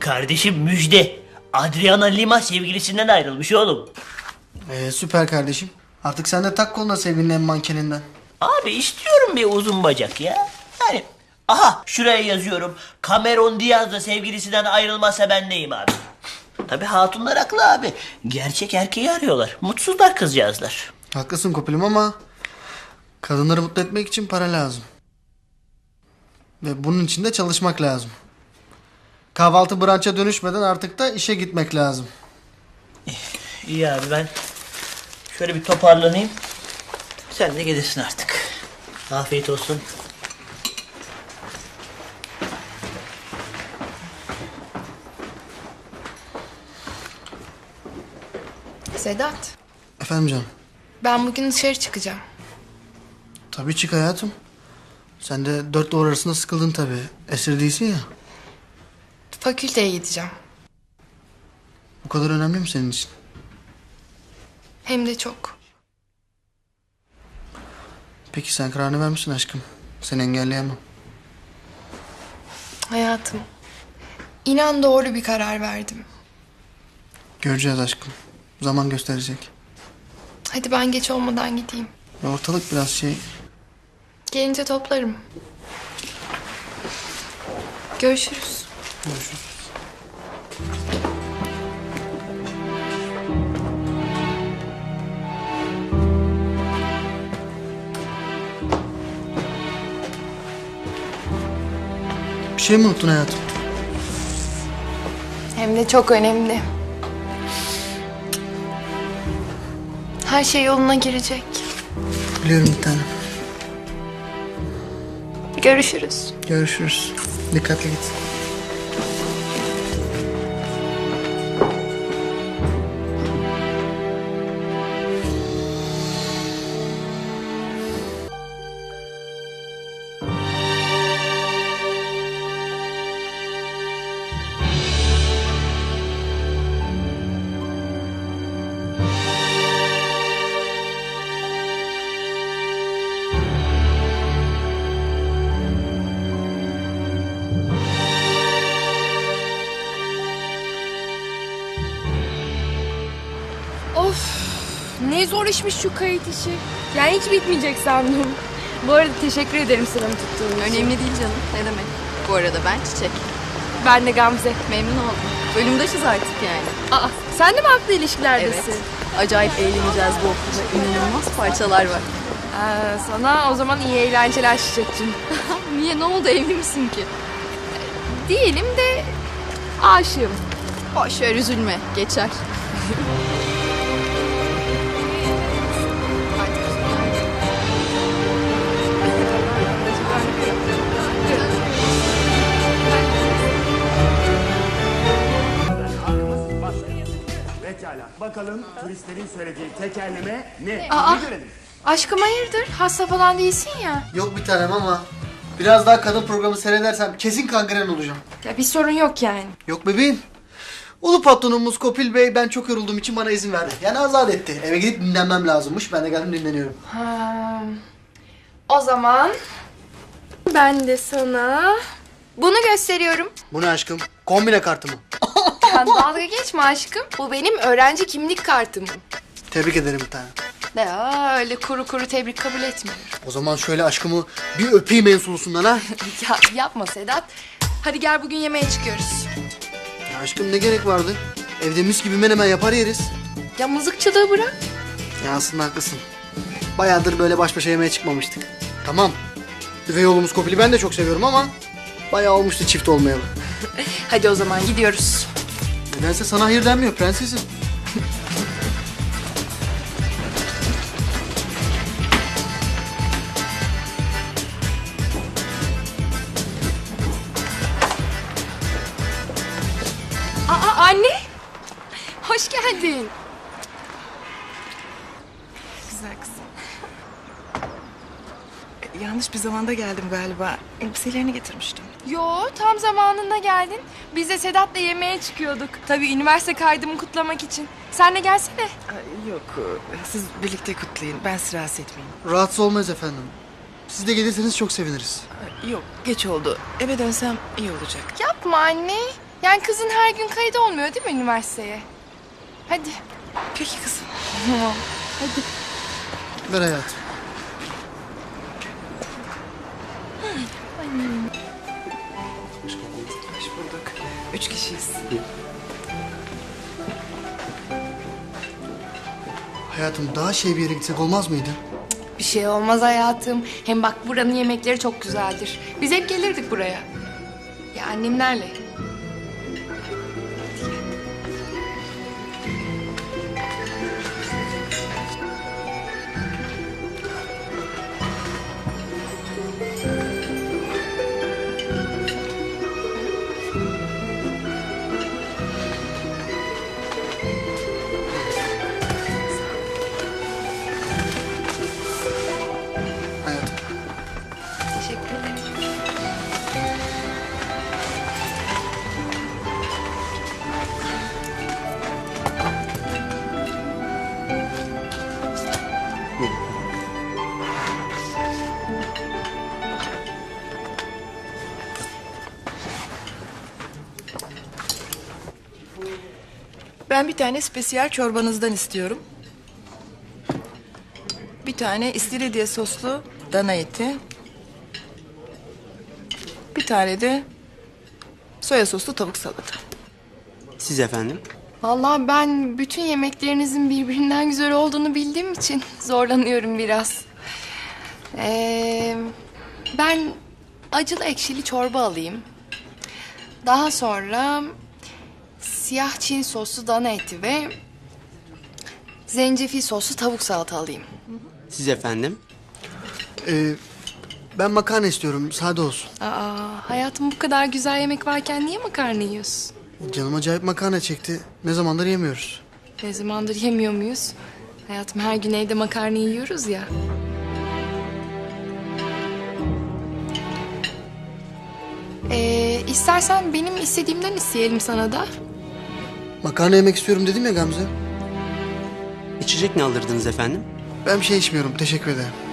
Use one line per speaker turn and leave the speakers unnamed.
Kardeşim müjde. Adriana Lima sevgilisinden ayrılmış oğlum.
Süper kardeşim. Artık sen de tak koluna sevgilinin mankeninden.
Abi istiyorum bir uzun bacak ya. Yani aha şuraya yazıyorum. Cameron Diaz da sevgilisinden ayrılmasa ben neyim abi? Tabii hatunlar haklı abi. Gerçek erkeği arıyorlar. Mutsuzlar kızcağızlar.
Haklısın Kopil'im ama kadınları mutlu etmek için para lazım. Ve bunun için de çalışmak lazım. Kahvaltı brunch'a dönüşmeden artık da işe gitmek lazım.
İyi abi ben şöyle bir toparlanayım. Sen de gelirsin artık. Afiyet olsun.
Sedat,
Efendim canım.
ben bugün dışarı çıkacağım.
Tabii çık hayatım. Sen de dört duvar arasında sıkıldın tabii. Esir değilsin ya.
Fakülteye gideceğim.
Bu kadar önemli mi senin için?
Hem de çok.
Peki sen kararını vermişsin aşkım. Seni engelleyemem.
Hayatım, inan doğru bir karar verdim.
Göreceğiz aşkım. Zaman gösterecek.
Hadi ben geç olmadan gideyim.
Ya ortalık biraz şey...
Gelince toplarım. Görüşürüz.
Görüşürüz. Bir şey mi unuttun hayatım?
Hem de çok önemli. Her şey yoluna girecek.
Biliyorum bir tanem.
Görüşürüz.
Görüşürüz. Dikkatli git.
Of, ne zor işmiş şu kayıt işi. Yani hiç bitmeyecek sandım. Bu arada teşekkür ederim sıramı tuttuğun için.
Önemli değil canım. Ne demek? Bu arada ben Çiçek.
Ben de Gamze.
Memnun oldum. Bölümdaşız artık yani.
Aa, sen de mi haklı ilişkilerdesin?
Evet. Acayip eğleneceğiz bu okulda. İnanılmaz parçalar var.
Sana o zaman iyi eğlenceler Çiçek'cim.
Niye? Ne oldu? Evli misin ki?
Değilim de aşığım.
Boş ver, üzülme. Geçer.
Pekala. Bakalım turistlerin söylediği tekerleme ne?
Aa.
Bir görelim.
Aşkım hayırdır? Hasta falan değilsin ya.
Yok bir tanem ama biraz daha kadın programı seyredersem kesin kangren olacağım.
Ya bir sorun yok yani.
Yok bebeğim. Ulu patronumuz Kopil Bey ben çok yorulduğum için bana izin verdi. Yani azat etti. Eve gidip dinlenmem lazımmış. Ben de geldim dinleniyorum.
Ha, o zaman ben de sana bunu gösteriyorum.
Bu ne aşkım? Kombine kartı mı?
Sen dalga geçme aşkım. Bu benim öğrenci kimlik kartım.
Tebrik ederim bir tanem.
Ya öyle kuru kuru tebrik kabul etmiyorum.
O zaman şöyle aşkımı bir öpeyim en sulusundan ha.
Ya yapma Sedat. Hadi gel bugün yemeğe çıkıyoruz.
Ya aşkım ne gerek vardı? Evde mis gibi menemen yapar yeriz.
Ya mızıkçılığı bırak.
Ya aslında haklısın. Bayağıdır böyle baş başa yemeğe çıkmamıştık. Tamam. Üvey oğlumuz Kopil'i ben de çok seviyorum ama bayağı olmuştu çift olmayalı.
Hadi o zaman gidiyoruz.
Nedense sana hayır denmiyor prensesim.
Aa, anne. Hoş geldin.
Güzel kızım. Yanlış bir zamanda geldim galiba. Elbiselerini getirmiştim.
Yo, tam zamanında geldin. Biz de Sedat'la yemeğe çıkıyorduk. Tabii üniversite kaydımı kutlamak için. Sen de gelsene.
Yok, siz birlikte kutlayın. Ben sizi rahatsız etmeyeyim.
Rahatsız olmayız efendim. Siz de gelirseniz çok seviniriz.
Yok, geç oldu. Eve dönsem iyi olacak.
Yapma anne.
Yani kızın her gün kaydı olmuyor değil mi üniversiteye? Hadi.
Peki kızım.
Ver hayatım.
Hoş bulduk. 3 kişiyiz.
Hayatım daha şey bir yere gitsek olmaz mıydı?
Bir şey olmaz hayatım. Hem bak buranın yemekleri çok güzeldir. Biz hep gelirdik buraya. Ya annemlerle.
Hayatım.
Teşekkür ederim.
Ben bir tane spesiyel çorbanızdan istiyorum. Bir tane istiridye soslu dana eti. Bir tane de soya soslu tavuk salata.
Siz efendim?
Vallahi ben bütün yemeklerinizin birbirinden güzel olduğunu bildiğim için zorlanıyorum biraz. Ben acılı ekşili çorba alayım. Daha sonra siyah Çin soslu dana eti ve zencefil soslu tavuk salata alayım.
Siz efendim?
Ben makarna istiyorum. Sade olsun.
Aa, hayatım bu kadar güzel yemek varken niye makarna yiyorsun?
Canım acayip makarna çekti. Ne zamandır yemiyoruz.
Ne zamandır yemiyor muyuz? Hayatım her gün evde makarna yiyoruz ya. İstersen benim istediğimden isteyelim sana da.
Makarna yemek istiyorum dedim ya Gamze.
İçecek ne alırdınız efendim?
Ben bir şey içmiyorum. Teşekkür ederim.